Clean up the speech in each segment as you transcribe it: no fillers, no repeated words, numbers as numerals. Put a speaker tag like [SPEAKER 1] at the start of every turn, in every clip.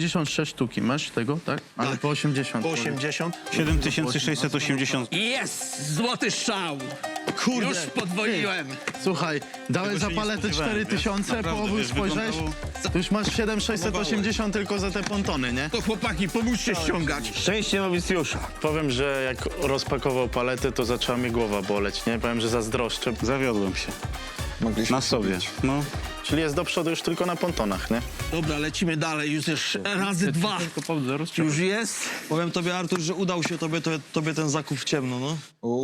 [SPEAKER 1] 96 sztuki. Masz tego, tak? Ale po 80.
[SPEAKER 2] Po 80.
[SPEAKER 3] 7680.
[SPEAKER 4] Jest! Złoty strzał!
[SPEAKER 2] Kurde.
[SPEAKER 4] Już podwoiłem.
[SPEAKER 1] Słuchaj, dałeś za
[SPEAKER 3] się nie
[SPEAKER 1] paletę
[SPEAKER 3] spodziewałem,
[SPEAKER 1] 4000,
[SPEAKER 3] wiesz?
[SPEAKER 1] połowy
[SPEAKER 3] Naprawdę,
[SPEAKER 1] spojrzałeś,
[SPEAKER 3] wyglądało-
[SPEAKER 1] to już masz 7680 tylko za te pontony, nie?
[SPEAKER 4] To chłopaki, pomóżcie ściągać.
[SPEAKER 2] Szczęście nowicjusza.
[SPEAKER 1] Powiem, że jak rozpakował paletę, to zaczęła mi głowa boleć, nie? Powiem, że zazdroszczę.
[SPEAKER 3] Zawiodłem się.
[SPEAKER 5] Mogliśmy
[SPEAKER 3] Na sobie. No.
[SPEAKER 1] Czyli jest do przodu już tylko na pontonach, nie?
[SPEAKER 4] Dobra, lecimy dalej. Już razy dwa. Już jest.
[SPEAKER 2] Powiem tobie, Artur, że udał się tobie ten zakup w ciemno, no.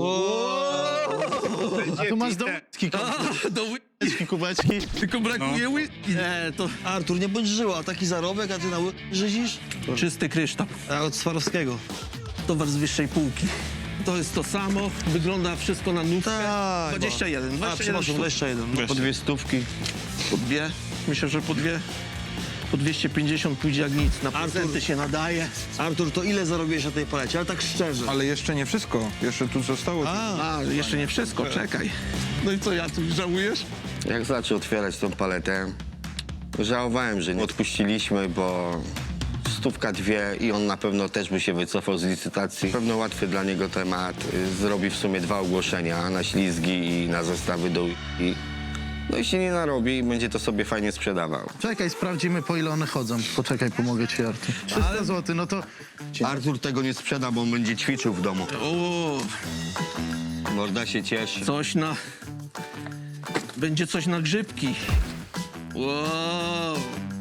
[SPEAKER 1] A tu masz do whisky,
[SPEAKER 4] Do
[SPEAKER 1] kubeczki, kubeczki.
[SPEAKER 4] tylko brakuje whisky.
[SPEAKER 2] To Artur, nie bądź żyła, a taki zarobek, a ty na żyzisz?
[SPEAKER 4] Czysty kryształ.
[SPEAKER 2] A od Swarowskiego.
[SPEAKER 4] Towar z wyższej półki. To jest to samo. Wygląda wszystko na nówkę.
[SPEAKER 2] Tak.
[SPEAKER 4] 21.
[SPEAKER 2] A,
[SPEAKER 4] 21
[SPEAKER 2] przepraszam,
[SPEAKER 4] sztuk.
[SPEAKER 2] 21. No.
[SPEAKER 3] Po 200.
[SPEAKER 4] Po dwie. Myślę, że po dwie. Po 250 pójdzie jak nic. Na prezenty się nadaje.
[SPEAKER 2] Artur, to ile zarobiłeś na tej palecie? Ale tak szczerze.
[SPEAKER 5] Ale jeszcze nie wszystko. Jeszcze tu zostało.
[SPEAKER 4] A, jeszcze nie wszystko, czekaj. No i co, Jacek, żałujesz?
[SPEAKER 6] Jak zaczął otwierać tą paletę, żałowałem, że nie odpuściliśmy, bo stówka dwie i on na pewno też by się wycofał z licytacji. Na pewno łatwy dla niego temat. Zrobi w sumie 2 ogłoszenia na ślizgi i na zestawy do i no i się nie narobi, będzie to sobie fajnie sprzedawał.
[SPEAKER 1] Czekaj, sprawdzimy, po ile one chodzą. Poczekaj, pomogę ci, Artur. 300 zł, no to...
[SPEAKER 6] Artur tego nie sprzeda, bo on będzie ćwiczył w domu.
[SPEAKER 4] O,
[SPEAKER 6] Morda się cieszy.
[SPEAKER 4] coś na... Będzie coś na grzybki. Wow.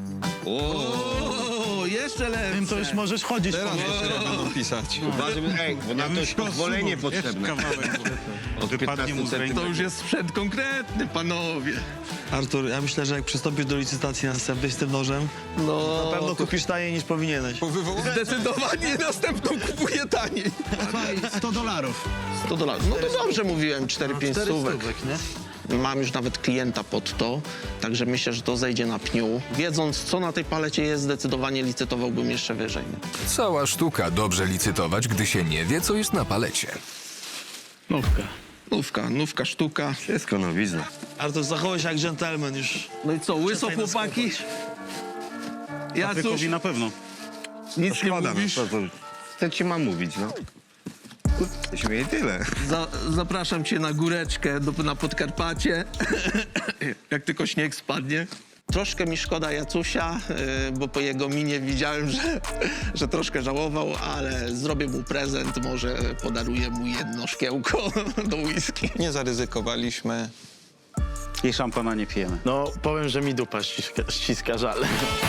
[SPEAKER 4] O, jeszcze lepsze.
[SPEAKER 1] Tym to już możesz chodzić.
[SPEAKER 5] Teraz jeszcze będą pisać.
[SPEAKER 6] Ej, bo na to jest pozwolenie potrzebne.
[SPEAKER 3] Wypadnie mu z ręki.
[SPEAKER 4] To już jest sprzęt konkretny, panowie.
[SPEAKER 2] Artur, ja myślę, że jak przystąpisz do licytacji następnej z tym nożem,
[SPEAKER 4] No,
[SPEAKER 2] na pewno kupisz taniej niż powinieneś.
[SPEAKER 4] zdecydowanie następną kupuję taniej.
[SPEAKER 1] $100.
[SPEAKER 4] 100 dolarów. No to dobrze mówiłem, 4-5
[SPEAKER 1] 4
[SPEAKER 4] stówek.
[SPEAKER 1] stówek, nie?
[SPEAKER 4] Mam już nawet klienta pod to, także myślę, że to zejdzie na pniu. Wiedząc, co na tej palecie jest, zdecydowanie licytowałbym jeszcze wyżej.
[SPEAKER 7] Cała sztuka dobrze licytować, gdy się nie wie, co jest na palecie.
[SPEAKER 4] Nówka, sztuka.
[SPEAKER 6] Wszystko nowizna.
[SPEAKER 2] Artur, zachowaj się jak dżentelmen już.
[SPEAKER 4] No i co, łyso
[SPEAKER 2] Przestań nas
[SPEAKER 4] chłopaki? Ja cóż,
[SPEAKER 3] Patrykowi na pewno.
[SPEAKER 4] nic nie
[SPEAKER 6] Szkoda,
[SPEAKER 4] mówisz?
[SPEAKER 6] Co ci mam mówić, no? Śmieję tyle.
[SPEAKER 4] Zapraszam cię na góreczkę na Podkarpacie, jak tylko śnieg spadnie. Troszkę mi szkoda Jacusia, bo po jego minie widziałem, że troszkę żałował, ale zrobię mu prezent, może podaruję mu jedno szkiełko do whisky.
[SPEAKER 5] Nie zaryzykowaliśmy.
[SPEAKER 3] I szampana nie pijemy.
[SPEAKER 1] No, powiem, że mi dupa ściska żal.